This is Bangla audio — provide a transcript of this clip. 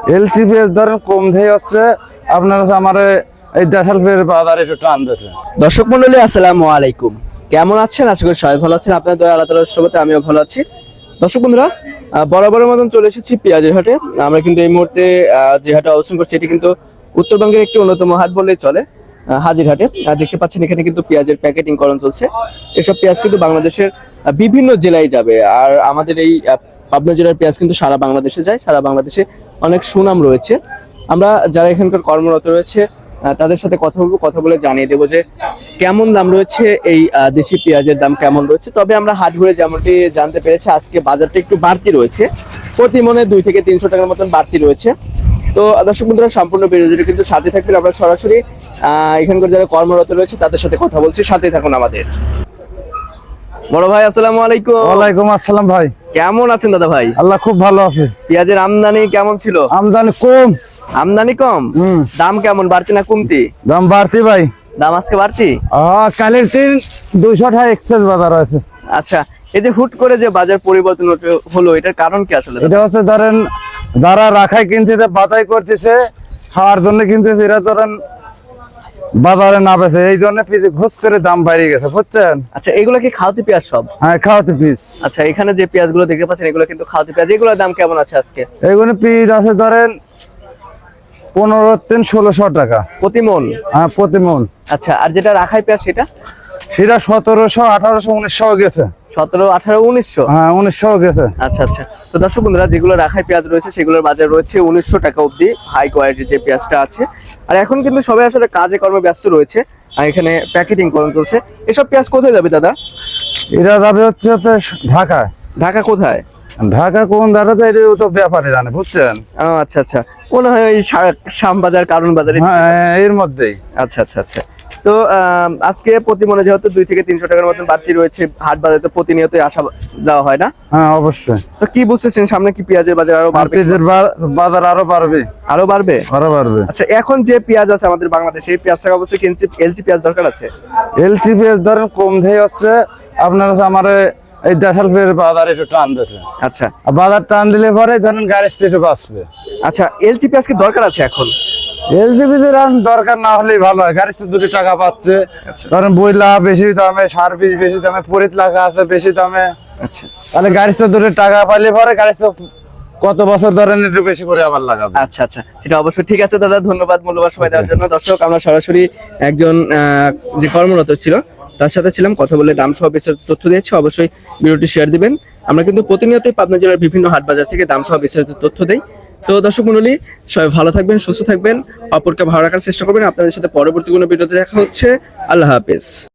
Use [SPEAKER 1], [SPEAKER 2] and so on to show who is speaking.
[SPEAKER 1] এলসি পেঁয়াজ ধরেন কম দিয়ে হচ্ছে আপনার হচ্ছে আমার এই দেশাল পেঁয়াজের বাজার একটু টান দিয়েছে।
[SPEAKER 2] দর্শক মন্ডলী আসসালামু আলাইকুম, কেমন আছেন? আশা করি সবাই ভালো আছেন। আপনাদের দয়া আল্লাহ তাআলার রহমতে আমিও ভালো আছি। দর্শক বন্ধুরা, বরাবরের মতন চলে এসেছি পেঁয়াজের হাটে। আমরা কিন্তু এই মুহূর্তে যে হাটে অবস্থান করছি এটি কিন্তু উত্তরবঙ্গের একটি অন্যতম হাট বললেই চলে, হাজির হাটে। দেখতে পাচ্ছেন এখানে কিন্তু পেঁয়াজের প্যাকেটিং করণ চলছে। এসব পেঁয়াজ কিন্তু বাংলাদেশের বিভিন্ন জেলায় যাবে, আর আমাদের এই পাবনা জেলার পেঁয়াজ কিন্তু সারা বাংলাদেশে যায়। সারা বাংলাদেশে অনেক সুনাম রয়েছে। আমরা যারা এখানকার কর্মরত রয়েছে তাদের সাথে কথা বলবো, কথা বলে জানিয়ে দেবো যে কেমন দাম রয়েছে, এই দেশি পেঁয়াজের দাম কেমন রয়েছে। তবে আমরা হাট ঘুরে যেমনটি জানতে পেরেছি আজকে বাজারটা একটু বাড়তি রয়েছে, প্রতি মনে 2 থেকে 300 টাকার মতন বাড়তি রয়েছে। তো দর্শক বন্ধুরা, সম্পূর্ণ ভিডিওটি কিন্তু সাথে থাকবেন। আমরা সরাসরি এখানকার যারা কর্মরত রয়েছে তাদের সাথে কথা বলছি, সাথে থাকুন আমাদের। বড় ভাই আসসালামু আলাইকুম।
[SPEAKER 1] ওয়ালাইকুম আসসালাম ভাই,
[SPEAKER 2] কেমন আছেন দাদা ভাই?
[SPEAKER 1] আল্লাহ খুব ভালো আছে।
[SPEAKER 2] পেঁয়াজের আমদানি কেমন ছিল?
[SPEAKER 1] আমদানি কম।
[SPEAKER 2] আমদানি কম? দাম কেমন, বাড়তি না কমতি?
[SPEAKER 1] দাম বাড়তি ভাই।
[SPEAKER 2] দাম আজকে বাড়তি?
[SPEAKER 1] কালের 200 টাকা এক্সেস বাজার আছে।
[SPEAKER 2] আচ্ছা, এই যে হুট করে যে বাজার পরিবর্তন হলো, এটার কারণ কি আসলে?
[SPEAKER 1] এটা হচ্ছে ধরেন যারা রাখাই কিনতেছে, বাতাই করতেছে, খাওয়ার জন্য কিনতেছে, এরা ধরেন বাজারে না বেছে, এই জন্য ঘুষ করে দাম বাইরে গেছে, বুঝছেন?
[SPEAKER 2] আচ্ছা, এগুলো কি খাওয়াতি পেঁয়াজ সব?
[SPEAKER 1] হ্যাঁ, খাওয়াতে পিস।
[SPEAKER 2] আচ্ছা, এখানে যে পেঁয়াজ গুলো দেখতে পাচ্ছেন এগুলো কিন্তু খাওয়াতি পেঁয়াজ। এগুলোর দাম কেমন আছে আজকে?
[SPEAKER 1] এইগুলো পিস আছে ধরেন 15-1600 টাকা
[SPEAKER 2] প্রতি মন?
[SPEAKER 1] হ্যাঁ, প্রতি মন।
[SPEAKER 2] আচ্ছা, আর যেটা রাখাই পেঁয়াজ সেটা?
[SPEAKER 1] সেটা 1700, 1800, 1900 গেছে।
[SPEAKER 2] 17, 18, 1900?
[SPEAKER 1] হ্যাঁ, 1900 গেছে।
[SPEAKER 2] আচ্ছা আচ্ছা। তো দর্শক বন্ধুরা, যেগুলো রাখাই পেঁয়াজ রয়েছে সেগুলোর বাজার রয়েছে 1900 টাকা অবধি, হাই কোয়ালিটির যে পেঁয়াজটা আছে। আর এখন কিন্তু সবাই আসলে কাজে কর্মে ব্যস্ত রয়েছে, আর এখানে প্যাকেটিং করণ চলছে। এসব পেঁয়াজ কোথায় যাবে দাদা?
[SPEAKER 1] এটা যাবে হচ্ছে ঢাকায়।
[SPEAKER 2] ঢাকা কোথায়?
[SPEAKER 1] ঢাকা কোন দাঁড়াতে, এটা তো ব্যাপারে জানে, বুঝছেন?
[SPEAKER 2] আচ্ছা আচ্ছা, মনে হয় ওই শ্যামবাজার, কারণ বাজারে।
[SPEAKER 1] হ্যাঁ, এর মধ্যেই।
[SPEAKER 2] আচ্ছা আচ্ছা আচ্ছা। তো আজকে প্রতি মনে যেহেতু 2 থেকে 300 টাকার মতন বাড়তি রয়েছে, হাট বাজারে তো প্রতিনিয়তই আসা যাওয়া হয় না?
[SPEAKER 1] হ্যাঁ, অবশ্যই।
[SPEAKER 2] তো কি বুঝতেছেন, সামনে কি পেঁয়াজের বাজার আরো বাড়বে?
[SPEAKER 1] পেঁয়াজের বাজার আরো বাড়বে।
[SPEAKER 2] আরো বাড়বে?
[SPEAKER 1] আরো বাড়বে।
[SPEAKER 2] আচ্ছা, এখন যে পেঁয়াজ আছে আমাদের বাংলাদেশে, এই পেঁয়াজ থাকা অবশ্যই এলসি পেঁয়াজ দরকার আছে।
[SPEAKER 1] এলসি পেঁয়াজ ধরেন কম দিয়ে হচ্ছে আপনার হচ্ছে আমার এই দেশাল পেঁয়াজের বাজার একটু টান দিয়েছে।
[SPEAKER 2] আচ্ছা,
[SPEAKER 1] বাজার টান দিলে পরে ধরেন গাড়ি স্টেটে বাঁচবে।
[SPEAKER 2] আচ্ছা, এলসি পেঁয়াজ কি দরকার আছে এখন?
[SPEAKER 1] এলসি পেঁয়াজের দরকার না হলেই ভালো হয়, গাড়ি তো 2 টাকা পাচ্ছে। ধরেন বইলা বেশি দামে, সার বীজ বেশি দামে, পরিত লাগা আছে বেশি দামে।
[SPEAKER 2] আচ্ছা,
[SPEAKER 1] তাহলে গাড়ি তো 2 টাকা পাইলে পরে গাড়ি তো কত বছর ধরেন একটু বেশি করে আবার লাগাবে।
[SPEAKER 2] আচ্ছা আচ্ছা, সেটা অবশ্যই ঠিক আছে দাদা, ধন্যবাদ মূল্যবান সময় দেওয়ার জন্য। দর্শক, আমরা সরাসরি একজন যে কর্মরত ছিল তার সাথে ছিলাম, কথা বলে দাম সহ বিস্তারিত তথ্য দিয়েছি। অবশ্যই ভিডিওটি শেয়ার দিবেন। আমরা কিন্তু প্রতিনিয়তই পাবনা জেলার বিভিন্ন হাট বাজার থেকে দাম সহ বিস্তারিত তথ্য দেই। তো দর্শক মণ্ডলী, সবাই ভালো থাকবেন, সুস্থ থাকবেন, অপরকে ভালো রাখার চেষ্টা করবেন। আপনাদের সাথে পরবর্তী কোনো ভিডিওতে দেখা হচ্ছে। আল্লাহ হাফেজ।